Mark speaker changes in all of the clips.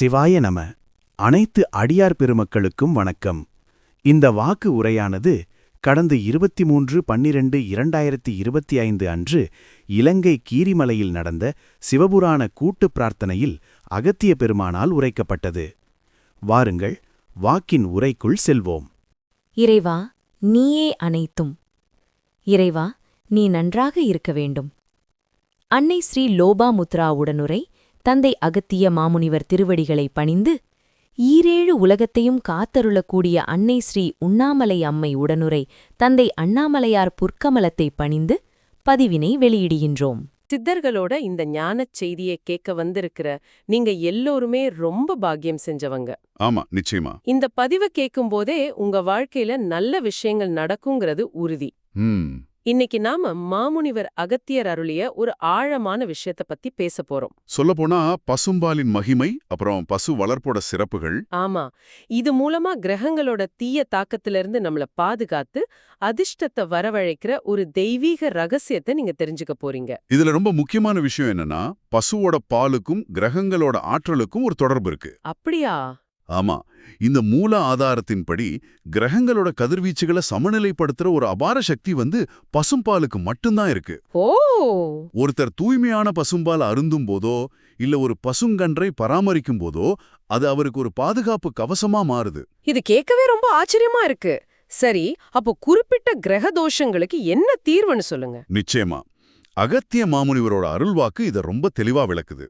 Speaker 1: சிவாய நம. அனைத்து அடியார் பெருமக்களுக்கும் வணக்கம். இந்த வாக்கு உரையானது கடந்த 23/12/2025 அன்று இலங்கை கீரிமலையில் நடந்த சிவபுராண கூட்டுப் பிரார்த்தனையில் அகத்திய பெருமானால் உரைக்கப்பட்டது. வாருங்கள், வாக்கின் உரைக்குள் செல்வோம்.
Speaker 2: இறைவா, நீயே அனைத்தும். இறைவா, நீ நன்றாக இருக்க வேண்டும். அன்னை ஸ்ரீ லோபாமுத்ரா உடனுரை தந்தை அகத்திய மாமுனிவர் திருவடிகளை பணிந்து, ஈரேழு உலகத்தையும் காத்தருளக்கூடிய அன்னை ஸ்ரீ உண்ணாமலை அம்மை உடனுரை தந்தை அண்ணாமலையார் புற்கமலத்தை பணிந்து பதிவினை வெளியிடுகின்றோம்.
Speaker 3: சித்தர்களோட இந்த ஞானச் செய்தியை கேட்க வந்திருக்கிற நீங்க எல்லோருமே ரொம்ப பாக்கியம் செஞ்சவங்க.
Speaker 4: ஆமா, நிச்சயமா.
Speaker 3: இந்த பதிவை கேட்கும்போதே உங்க வாழ்க்கையில நல்ல விஷயங்கள் நடக்குங்கிறது உறுதி. இன்னைக்கு நாம மாமுனிவர் அகத்தியர் அருளிய ஒரு ஆழமான விஷயத்த பத்தி பேச போறோம்.
Speaker 4: சொல்லப்போனா பசும்பாலின் மகிமை, அப்புறம் பசு வளர்ப்போட சிறப்புகள்.
Speaker 3: ஆமா, இது மூலமா கிரகங்களோட தீய தாக்கத்திலிருந்து நம்மள பாதுகாத்து அதிர்ஷ்டத்தை வரவழைக்கிற ஒரு தெய்வீக ரகசியத்தை நீங்க தெரிஞ்சுக்க போறீங்க.
Speaker 4: இதுல ரொம்ப முக்கியமான விஷயம் என்னன்னா, பசுவோட பாலுக்கும் கிரகங்களோட ஆற்றலுக்கும் ஒரு தொடர்பு இருக்கு.
Speaker 3: அப்படியா?
Speaker 4: ஆமா, இந்த மூல ஆதாரத்தின்படி கிரகங்களோட கதிர்வீச்சுகளை சமநிலைப்படுத்துற ஒரு அபார சக்தி பசும்பாலுக்கு மட்டும்தான் இருக்கு.
Speaker 3: ஓ!
Speaker 4: ஒருத்தர் தூய்மையான பசும்பால் அருந்தும் போதோ இல்ல ஒரு பசுங்கன்றை பராமரிக்கும் போதோ அது அவருக்கு ஒரு பாதுகாப்பு கவசமா மாறுது.
Speaker 3: இது கேட்கவே ரொம்ப ஆச்சரியமா இருக்கு. சரி, அப்போ குறிப்பிட்ட கிரக தோஷங்களுக்கு என்ன தீர்வுன்னு சொல்லுங்க.
Speaker 4: நிச்சயமா, அகத்திய மாமுனிவரோட அருள்வாக்கு இத ரொம்ப தெளிவா விளக்குது.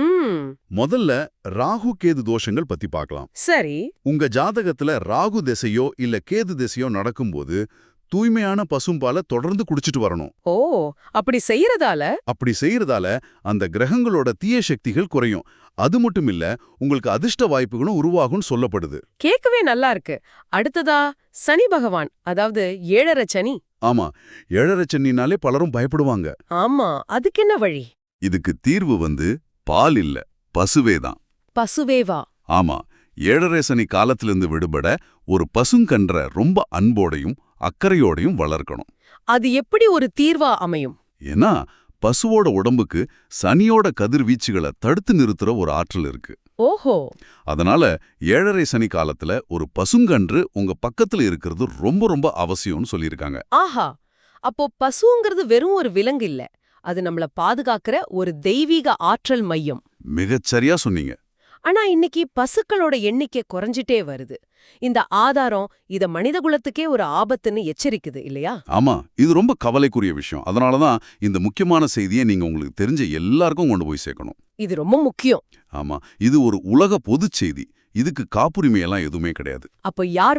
Speaker 4: முதல்ல ராகு கேது தோஷங்கள் பத்தி பார்க்கலாம்.
Speaker 3: சரி,
Speaker 4: உங்க ஜாதகத்துல ராகு திசையோ இல்ல கேது திசையோ நடக்கும்போது தூய்மையான பசும்பாலை தொடர்ந்து குடிச்சிட்டு வரணும்.
Speaker 3: ஓ, அப்படி செய்யறதால
Speaker 4: அந்த கிரகங்களோட தீய சக்திகள் குறையும். அது மட்டும் இல்ல, உங்களுக்கு அதிர்ஷ்ட வாய்ப்புகளும் உருவாகும் சொல்லப்படுது.
Speaker 3: கேட்கவே நல்லா இருக்கு. அடுத்ததா சனி பகவான், அதாவது 7.5 சனி.
Speaker 4: ஆமா, 7.5 சனினாலே பலரும் பயப்படுவாங்க.
Speaker 3: ஆமா, அதுக்கு என்ன வழி?
Speaker 4: இதுக்கு தீர்வு பால் இல்ல, பசுவேதான்.
Speaker 3: பசுவேவா?
Speaker 4: ஆமா, 7.5 சனி காலத்திலிருந்து விடுபட ஒரு பசுங்கன்ற ரொம்ப அன்போடையும் அக்கறையோடையும் வளர்க்கணும்.
Speaker 3: அது எப்படி ஒரு தீர்வா அமையும்?
Speaker 4: ஏன்னா பசுவோட உடம்புக்கு சனியோட கதிர்வீச்சுகளை தடுத்து நிறுத்துற ஒரு ஆற்றல் இருக்கு.
Speaker 3: ஓஹோ!
Speaker 4: அதனால 7.5 சனி காலத்துல ஒரு பசுங்கன்று உங்க பக்கத்துல இருக்கிறது ரொம்ப ரொம்ப அவசியம்னு சொல்லியிருக்காங்க.
Speaker 3: ஆஹா, அப்போ பசுங்கிறது வெறும் ஒரு விலங்கு இல்ல, அது நம்மள பாதுகாக்கிற ஒரு தெய்வீக ஆற்றல் மையம்.
Speaker 4: மிகச்சரியா சொன்னீங்க.
Speaker 3: ஆனா இன்னைக்கு பசுக்களோட எண்ணிக்கை குறைஞ்சிட்டே வருது. இந்த ஆதாரம் இத மனிதகுலத்துக்கே ஒரு ஆபத்துன்னு எச்சரிக்குது இல்லையா?
Speaker 4: ஆமா, இது ரொம்ப கவலைக்குரிய விஷயம். அதனாலதான் இந்த முக்கியமான செய்தியை நீங்க உங்களுக்கு தெரிஞ்ச எல்லாருக்கும் கொண்டு போய் சேர்க்கணும்.
Speaker 3: இது ரொம்ப முக்கியம்.
Speaker 4: ஆமா, இது ஒரு உலக பொதுச் செய்தி. இதுக்கு காப்புரிமையெல்லாம் எதுவுமே கிடையாது.
Speaker 3: அப்போ யார்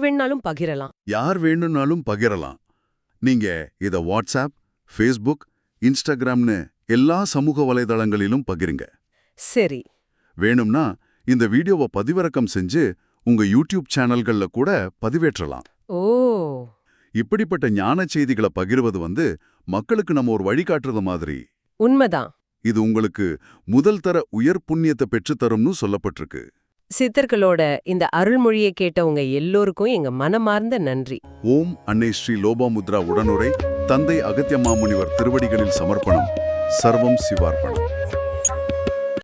Speaker 3: வேணும்னாலும் பகிரலாம். நீங்க இத வாட்ஸ்அப், ஃபேஸ்புக், இன்ஸ்டாகிராம்னு எல்லா சமூக வலைதளங்களிலும் பகிருங்க. சரி,
Speaker 4: வேணும்னா இந்த வீடியோவை பதிவிறக்கம் செஞ்சு உங்க யூடியூப் சேனல்கள்ல கூட பதிவேற்றலாம்.
Speaker 3: ஓ!
Speaker 4: இப்படிப்பட்ட ஞான செய்திகளை பகிர்வது மக்களுக்கு நம்ம ஒரு வழிகாட்டுறது மாதிரி.
Speaker 3: உண்மைதான்.
Speaker 4: இது உங்களுக்கு முதல் தர உயர் புண்ணியத்தை பெற்றுத்தரும்னு சொல்லப்பட்டிருக்கு.
Speaker 3: சித்தர்களோட இந்த அருள்மொழியை கேட்டவங்க எல்லோருக்கும் எங்க மனமார்ந்த நன்றி.
Speaker 4: ஓம் அன்னை ஸ்ரீ லோபாமுத்ரா உடனுரை தந்தை அகத்திய மாமுனிவர் திருவடிகளில் சமர்ப்பணம். சர்வம் சிவார்ப்பணம்.